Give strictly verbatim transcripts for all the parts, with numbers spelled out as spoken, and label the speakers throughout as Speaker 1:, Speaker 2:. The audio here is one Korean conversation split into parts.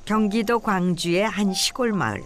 Speaker 1: 경기도 광주의 한 시골 마을.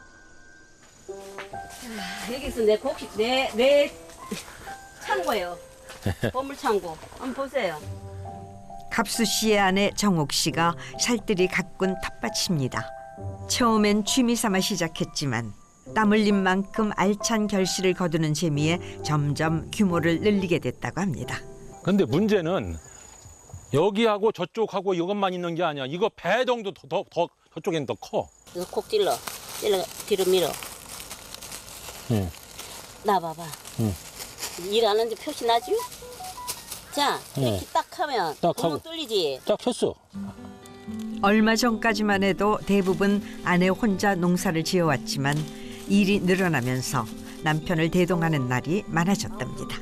Speaker 2: 여기서 내 곡식 내 내 창고예요. 보물 창고. 한번 보세요.
Speaker 1: 갑수 씨의 아내 정옥 씨가 살뜰히 가꾼 텃밭입니다. 처음엔 취미 삼아 시작했지만 땀 흘린 만큼 알찬 결실을 거두는 재미에 점점 규모를 늘리게 됐다고 합니다.
Speaker 3: 근데 문제는 여기하고 저쪽하고 이것만 있는 게 아니야. 이거 배 정도 더, 더, 더 저쪽엔 더 커.
Speaker 2: 이거 콕 찔러. 찔러 뒤로 밀어.
Speaker 3: 응.
Speaker 2: 나 봐봐.
Speaker 3: 응.
Speaker 2: 일하는지 표시 나지? 자, 이렇게
Speaker 3: 응.
Speaker 2: 딱 하면
Speaker 3: 딱
Speaker 2: 구멍
Speaker 3: 하고.
Speaker 2: 뚫리지?
Speaker 3: 딱 쳤어.
Speaker 1: 얼마 전까지만 해도 대부분 아내 혼자 농사를 지어왔지만 일이 늘어나면서 남편을 대동하는 날이 많아졌답니다.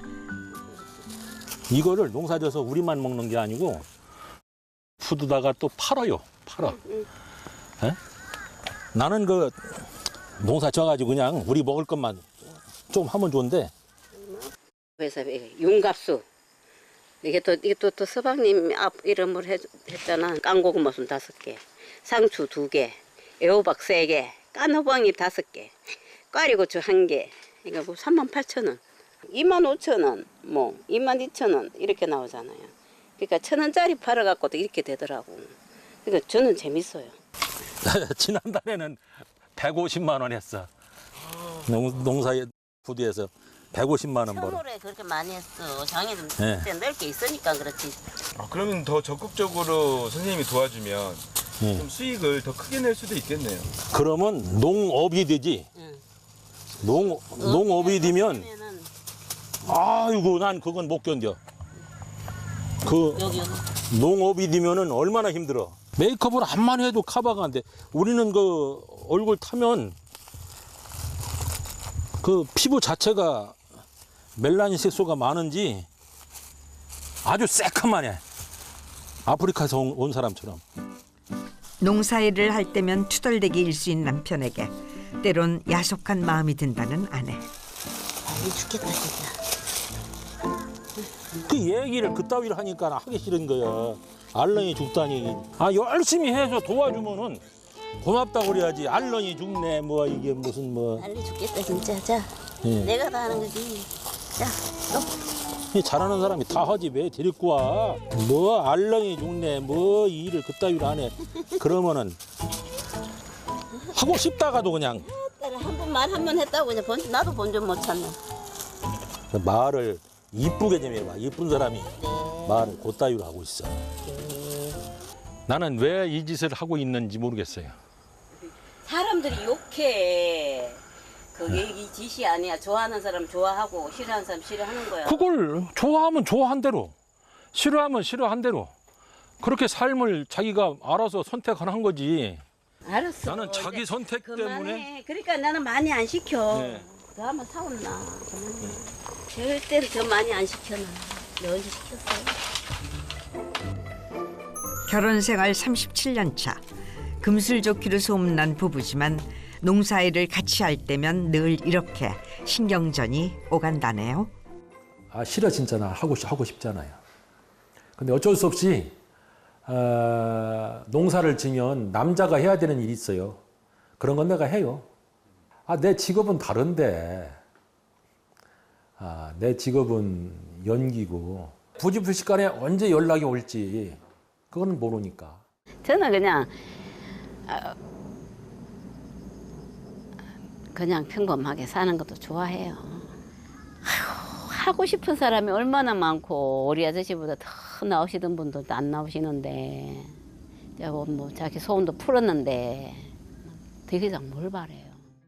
Speaker 3: 이거를 농사져서 우리만 먹는 게 아니고 푸드다가 또 팔아요. 팔아.
Speaker 2: 응.
Speaker 3: 에? 나는 그 농사 져가지고 그냥 우리 먹을 것만 좀 하면 좋은데.
Speaker 2: 그래서 윤갑수. 이게 또 이게 또, 또 서방님 앞 이름으로 해, 했잖아. 깡고구마순 다섯 개, 상추 두 개, 애호박 세 개, 깐호박잎 다섯 개, 꽈리고추 한 개. 이거 뭐 삼만 팔천 원, 이만 오천 원, 뭐 이만 이천 원 이렇게 나오잖아요. 그러니까 천 원짜리 팔아갖고도 이렇게 되더라고. 그러니까 저는 재밌어요.
Speaker 3: 지난달에는 백오십만 원 했어. 농, 농사에 푸드에서 백오십만 원 벌어.
Speaker 2: 겨울에 그렇게 많이 했어. 장이 좀
Speaker 3: 네.
Speaker 2: 그때 넓게 있으니까 그렇지.
Speaker 4: 아, 그러면 더 적극적으로 선생님이 도와주면
Speaker 3: 응.
Speaker 4: 좀 수익을 더 크게 낼 수도 있겠네요.
Speaker 3: 그러면 농업이 되지.
Speaker 2: 응.
Speaker 3: 농, 농업이 되면
Speaker 2: 그러면은
Speaker 3: 아이고 난 그건 못 견뎌. 그
Speaker 2: 여기 여기.
Speaker 3: 농업이 되면은 얼마나 힘들어. 메이크업을 한만 해도 커버가 안 돼. 우리는 그 얼굴 타면 그 피부 자체가 멜라닌 색소가 많은지 아주 새카만해. 아프리카에서 온, 온 사람처럼.
Speaker 1: 농사일을 할 때면 투덜대기 일수인 남편에게 때론 야속한 마음이 든다는 아내.
Speaker 2: 아, 죽겠다 진짜.
Speaker 3: 그 얘기를 그따위를 하니까 하기 싫은 거야. 알렁이 죽다니. 아 열심히 해서 도와주면은 고맙다고 그래야지. 알렁이 죽네 뭐 이게 무슨 뭐.
Speaker 2: 빨리 죽겠다 진짜. 자,
Speaker 3: 예.
Speaker 2: 내가 다 하는 거지. 자, 너.
Speaker 3: 이 잘하는 사람이 다 하지 왜 데리고 와. 뭐 알렁이 죽네 뭐 이 일을 그따위로 안 해. 그러면은 하고 싶다가도 그냥
Speaker 2: 한 번 말 한 번 했다고 그냥 본, 나도 본전 못 찾네.
Speaker 3: 말을 이쁘게 좀 해봐. 이쁜 사람이
Speaker 2: 네.
Speaker 3: 말을 그따위로 하고 있어. 나는 왜 이 짓을 하고 있는지 모르겠어요.
Speaker 2: 사람들이 욕해. 그게 이 짓이 아니야. 좋아하는 사람 좋아하고 싫어하는 사람 싫어하는 거야.
Speaker 3: 그걸 좋아하면 좋아한 대로, 싫어하면 싫어한 대로 그렇게 삶을 자기가 알아서 선택하는 거지.
Speaker 2: 알았어.
Speaker 3: 나는 자기
Speaker 2: 이제
Speaker 3: 선택
Speaker 2: 그만해.
Speaker 3: 때문에.
Speaker 2: 그러니까 나는 많이 안 시켜.
Speaker 3: 네.
Speaker 2: 너 한번 사온나. 그만해. 절대로 더 많이 안 시켜놔. 너 언제 시켰어?
Speaker 1: 결혼 생활 삼십칠 년 차. 금슬좋기로 소문난 부부지만 농사일을 같이 할 때면 늘 이렇게 신경전이 오간다네요.
Speaker 5: 아 싫어 진짜 나 하고 싶- 하고 싶잖아요. 근데 어쩔 수 없이 어, 농사를 지면 남자가 해야 되는 일이 있어요. 그런 건 내가 해요. 아 내 직업은 다른데, 아 내 직업은 연기고 부지불식간에 언제 연락이 올지 그거는 모르니까.
Speaker 2: 저는 그냥 어, 그냥 평범하게 사는 것도 좋아해요. 아휴, 하고 싶은 사람이 얼마나 많고 우리 아저씨보다 더 나오시던 분도 안 나오시는데 뭐, 뭐 자기 소원도 풀었는데 더 이상 뭘 바래요.